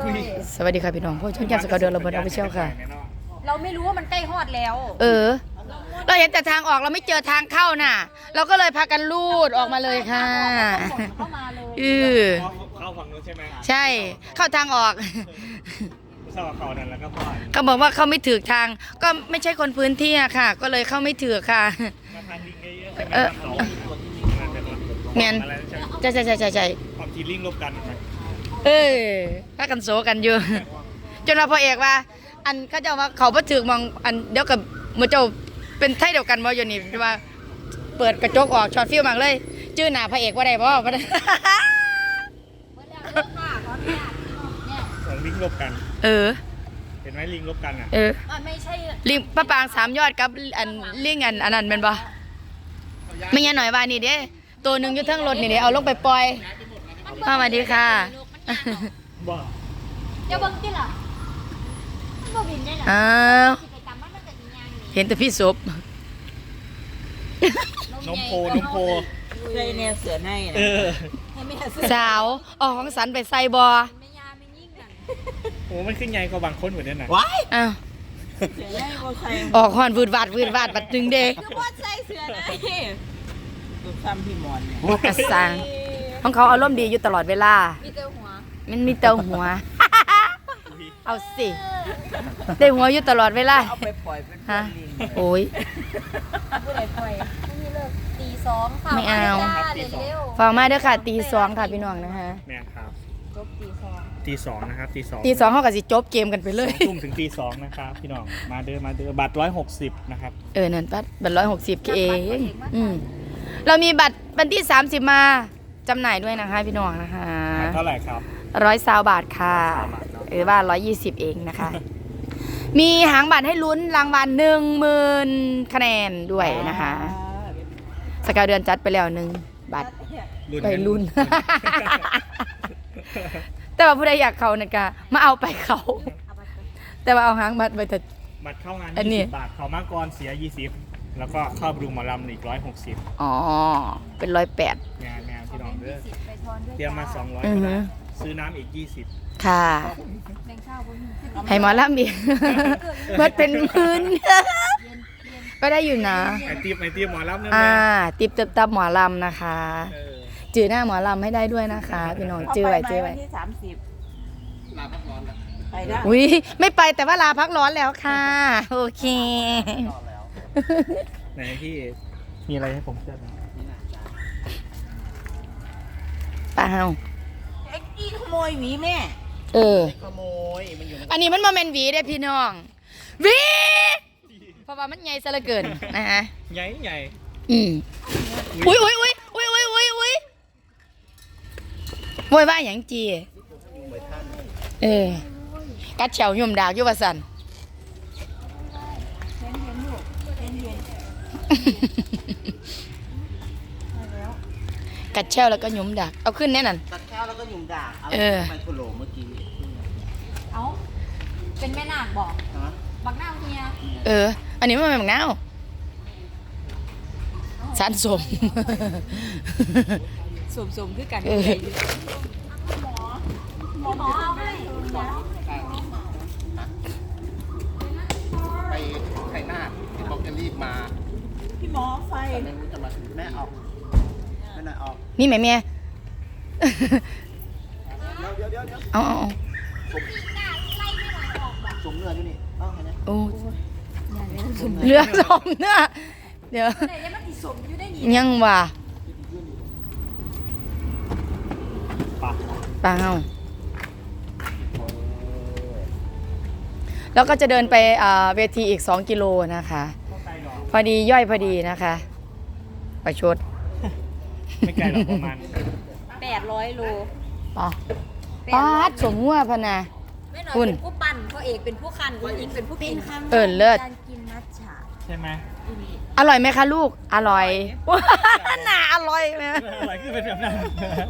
สวัสดีค่ะพี่น้องพวกช่างแก้มสกาวเดือนระเบิดเอาไปเชี่ยวค่ะเราไม่รู้ว่ามันใกล้ฮอดแล้วเราเห็นแต่ทางออกเราไม่เจอทางเข้าน่ะเราก็เลยพากันลูดออกมาเลยค่ะเข้ามาเลยเข้าฝั่งนู้นใช่ไหมใช่เข้าทางออกเข้าเขานั่นแล้วก็พอเขาบอกว่าเขาไม่ถือทางก็ไม่ใช่คนพื้นที่อะค่ะก็เลยเข้าไม่ถือค่ะเมียนใช่ความทีลิงลบกันพากันโซกันอยู่จนเราพอเอกว่าอันเขาจะว่าเขาบ่ถือมองอันเดี๋ยวกับมือเจ้าเป็นไทยเดียวกันบ่อยู่นี่ว่าเปิดกระจกออกช็อตฟิลมากเลยชื่อหน้าพระเอกว่าได้บ่ของลิงลบกันเห็นไหมลิงลบกันอ่ะไม่ใช่ลิงป้าปาง3ยอดกับอันลิงอันนั้นเป็นบ่ไม่งั้นหน่อยว่านี่เด้ตัวหนึ่งอยู่ทั้งรถนี่เด้เอาลงไปปล่อยสวัสดีค่ะบ่จะเบิ่งติล่ะมันบ่บินได้หรอเห็นแต่พี่ศพนมโพเคยเนี่ยเสือให้สาวออกของสันไปใส่บอโอ้มันขึ้นใหญ่กว่าบางคนเหมือนกันนะว้ายออกหอนวืดวาดบัดนึงเด็กคือว่าใส่เสือให้ดูซ้ำพี่มอนกระสังของเขาอารมณ์ดีอยู่ตลอดเวลามีเตาหัวมันมีเตาหัวเอาสิได้หัวอยู่ตลอดเวลาเอาไปปล่อยเป็นฮะโอ้ยผู้ใดปล่อยไม่มีเลิก2ค่ะไม่เอาฟังมาเด้อค่ะ2ค่ะพี่น้องนะคะแม่ครับจบ 2นะครับ 2เขาก็สิจบเกมกันไปเลยทุ่มถึง2นะครับพี่น้องมาเด้อบัตร160นะครับนั่นบัตร160เองเรามีบัตรวันที่30มาจำหน่ายด้วยนะคะพี่น้องนะคะเท่าไหร่ครับ 120 บาทค่ะหรือว่า120เองนะคะ มีหางบัตรให้ลุ้นรางวัล10,000 คะแนนด้วยนะคะสกาวเดือนจัดไปแล้ว1บัตรไปลุ้น แต่ว่าผู้ใดอยากเขาเนี่ยก็มาเอาไปเขาแต่ว่าเอาหางบัตรไปเถอะบัตรเข้างาน20 บาทเขามาก่อนเสีย20แล้วก็เข้าดูหมอลำอีก160 เป็น108 งานพี่น้องเด้อเตรียมมา200ซื้อน้ำอีก20 ค่ะให้หมอลำอีกมันเป็นพื้นก็ได้อยู่นะไอตีหมอลำเนี่ยติบตับหมอลำนะคะจื่อหน้าหมอลำให้ได้ด้วยนะคะพี่น้องจื่อไว้ที่30 ลาพักร้อนแล้วไปได้อุ้ยไม่ไปแต่ว่าลาพักร้อนแล้วค่ะโอเคไหนพี่มีอะไรให้ผมเชื่อไหมเปล่าเอ็กซ์ขโมยหวีแม่ขโมยมันอยู่อันนี้มันมาเป็นหวีได้พี่น้องหวีเพราะว่ามันใหญ่ซะเหลือเกินนะฮะใหญ่อุ้ยโวยว่าอย่างจีกัดเฉายุ่มดากยุวสันกัดเชลแล้วก็หยุมดักเอาขึ้นแน่นอนกัดเชลแล้วก็หยุมดักไมโครโลเมื่อกี้เป็นแม่นาคบอกบักหน้าเฮียอันนี้มันเป็นบักหน้าสันสมคือกันหมอเอาให้ไปไข่หน้าที่บอกจะรีบมาพี่หมอไฟไม่รู้จะมาถึงแม่ออกไม่น่าออกนี่แม่เดี๋ยวเอาสมเนื้ออยู่นี่ต้องไงนะโอ้เรือสมเนื้อเดี๋ยวยังว่ะเปล่าแล้วก็จะเดินไปเวทีอีก2 กิโลนะคะพอดีย่อยพอดีนะคะไปชดไม่ไกลหรอกประมาณ 800 โลป้าสมหัวพนะคุณเป็นผู้ปั่นพ่อเอกเป็นผู้คันคุณอิงเป็นผู้กินเลิศการกินมัทฉะใช่ไหมอร่อยไหมคะลูกอร่อยน่าอร่อยไหมอร่อยคือเป็นแบบนั้น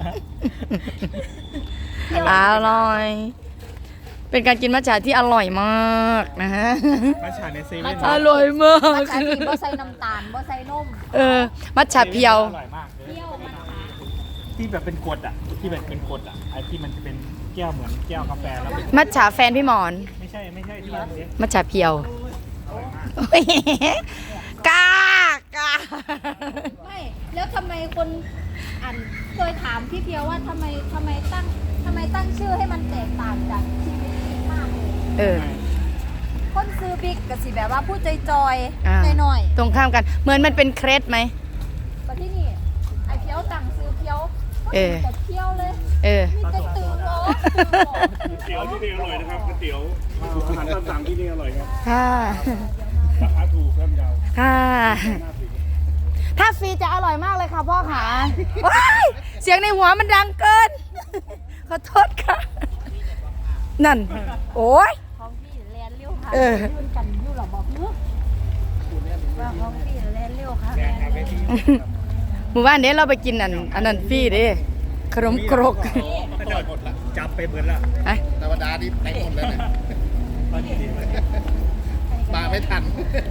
อร่อยเป็นการกินมัทฉะที่อร่อยมากนะฮะมัทฉะในเซเว่นอร่อยมากมัทฉะที่บ่ใส่น้ำตาลบ่ใส่นมมัทฉะเพียวอร่อยมากที่แบบเป็นกรดที่แบบเป็นกรดไอ้ที่มันจะเป็นแก้วเหมือนแก้วกาแฟแล้วเป็นมัทฉะแฟนพี่หมอนไม่ใช่ที่มันเล็กมัทฉะเพียวอร่อยมากโอ้ยกากาไม่แล้วทำไมคนเคยถามพี่เพียวว่าทำไมตั้งชื่อให้มันแตกต่างจากชีวิตจริงมากเลยเออคนซื้อบิ๊กกับสิแบบว่าพูดจอยอ่าๆหน่อยตรงข้ามกัน เหมือนมันเป็นเครสไหมๆมาที่นี่ไอเพียวตั้งซื้อเพียวเออแต่เพียวเลยเออมีแต่ตื่นร้อนก๋วยเตี๋ยวที่นี่อร่อยนะครับก๋วยเตี๋ยวอาหารตามสั่งที่นี่อร่อยครับค่ะราคาถูกครับยาวค่ะน่าซื้อถ้าฟรีจะอร่อยมากเลยค่ะพ่อขาว้ายเสียงในหัวมันดังเกิน ขอโทษค่ะ นั่น โอ้ยของพี่แลนเร็วค่ะเออยื่นกันยู่หรอบอกเนื้อว่าของพี่แลนเร็วค่ะแกงครับพี่หมู่บ้านเด้เราไปกินอันนั้นฟรีเด้ขนมครกก็จะหมดละจับไปเบิดละอะธรรมดานี่ไปหมดแล้วเนี่ยตอนนี้ดีเลยมาไม่ทัน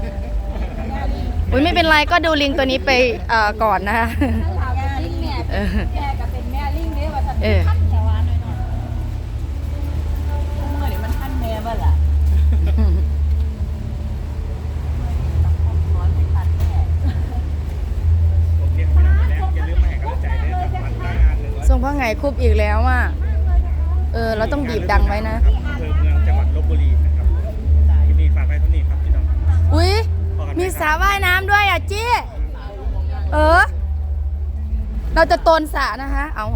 อุ้ยไม่เป็นไรก็ดูลิงตัวนี้ไปก่อนนะคะถ้าถามเป็นลิงเนี่ยเออแกก็เป็นแม่ลิงเนี่ยว่าจะเออขั้นแต่ว่าหน่อยเมื่อนี้มันท่านแม่บ้าล่ะร้อนไม่ทันแม่โอเคพี่น้องแล้วอย่าลืมมาให้กำลังใจด้วยกับวันหน้างานเลยทรงพ่อไงคุบอีกแล้วอ่ะเราต้องบีบดังไว้นะอำเภอเมืองจังหวัดลบบุรีนะครับที่นี่ฝากไว้เท่านี้ครับพี่น้องอุ้ยมีสระว่ายน้ำด้วยอ่ะจี้เราจะโตนสระนะคะ เอา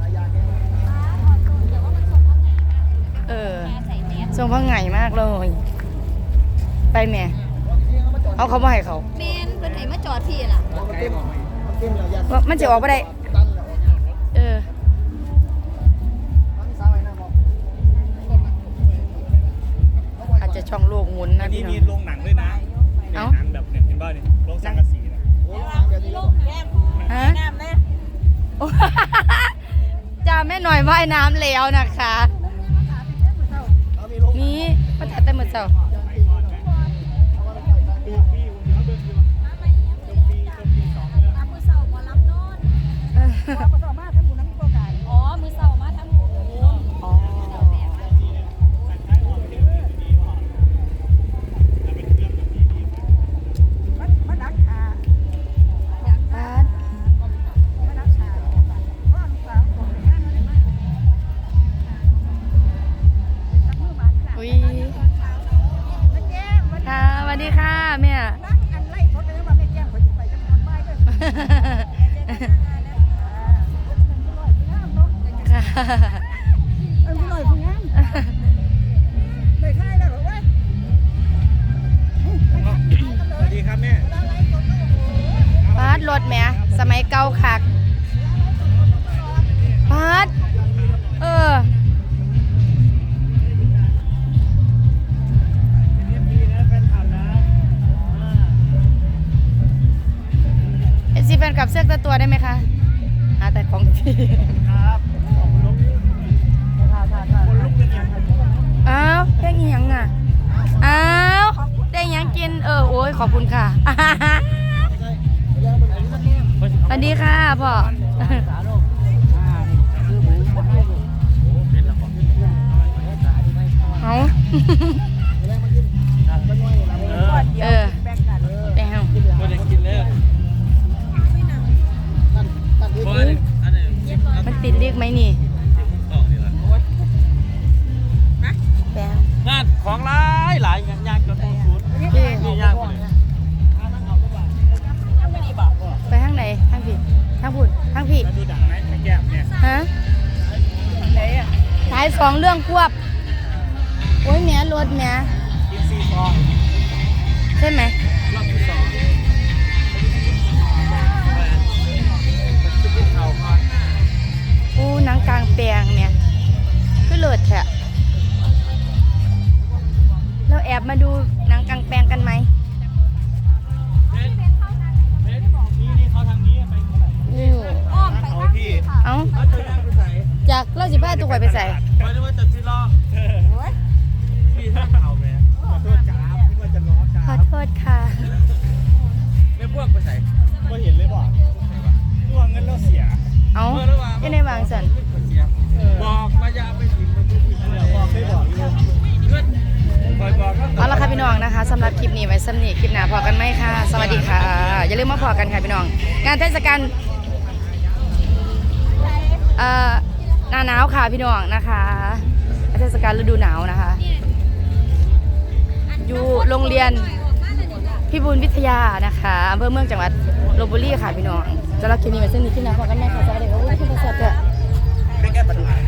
ทรงพ่อไงมากเลย ไปแม่เอาเขามาให้เขาเมนเป็นไหนมาจอดพี่ล่ะว่ามันจะออกไปได้ อาจจะช่องโลกหมุนอันะนนี้พี่น้มีองโรงหนังด้วยนะเนี่ยหนังแบบเนี่ยเห็นบ้าเนี่ยโรงสังกะสีนะฮะน้ำนะโอ้ จ้าแม่หน่อยว่ายน้ำแล้วนะคะนี่มาตัดแต่หมดเจ้ามือเสาหมอลำนอนอ๋อมือเสามาทำบุญอ๋อบ้านอุ้ยค่ะสวัสดีค่ะแม่สวัสดีครับแม่ปาดรถแหม่สมัยเก่าคักปาดซีแฟนกับเสื้อตัวได้ไหมคะหาแต่ของพี่ครับขอบคุณลูกคนลุกเป็นยังไงอ้าวเพลงอีหยังอ่ะอ้าวได้หยังกินโอ้ยขอบคุณค่ะ สวัสดีค่ะพ่อเอาแป้งคนยังกินเลยมันติดเรียกไหมนี่แป้งงานของหลายงานจนสุดนี่ยากเลยไปทางไหนทางผิดทางผุดทางผิดแล้วดูดังไหมแก้มเนี่ยฮะขายสองเรื่องควบโอ้ยแม่รถแม่กินซีฟองใช่ไหมรอบที่2ข่าวก่อนอู้หนังกลางแปลงเนี่ยคือเลิศแท้เราแอบมาดูหนังกลางแปลงกันไหมนี่เขาทางนี้ไปเท่าไหร่อ้อมไปเอาทางพี่พี่ค่ะเอ้าเขาจะย่างไปใส่จากเราสิบ้าตัวข่อยไปใส่ไปนึกว่าจะซีล้อพี่ท่านเอาไหมขอโทษจ้านึกว่าจะล้อจ้าขอโทษค่ะไม่พวกไปใส่ก็เห็นเลยบอกตัวเงินเราเสียเอ้ายังในวางสันบอกว่าจะเอาไปถึงำหรับคลิปนี้ไว้ซ้ำนี้คลิปหน้าพอกันไหมค่ะสวัสดีค่ะอย่าลืมมาพอกันค่ะพี่น้องงานเทศกาลหน้าหนาวค่ะพี่น้องนะคะเทศกาลฤดูหนาวนะคะอยู่โรงเรียนพิบูลวิทยานะคะอำเภอเมืองจังหวัดลพบุรีค่ะพี่น้องสำหรับคลิปนี้ไว้ซ้ำนี้คลิปหน้าพอกันไหมค่ะสวัสดีค่ะอุ้ยคุณประเสริฐ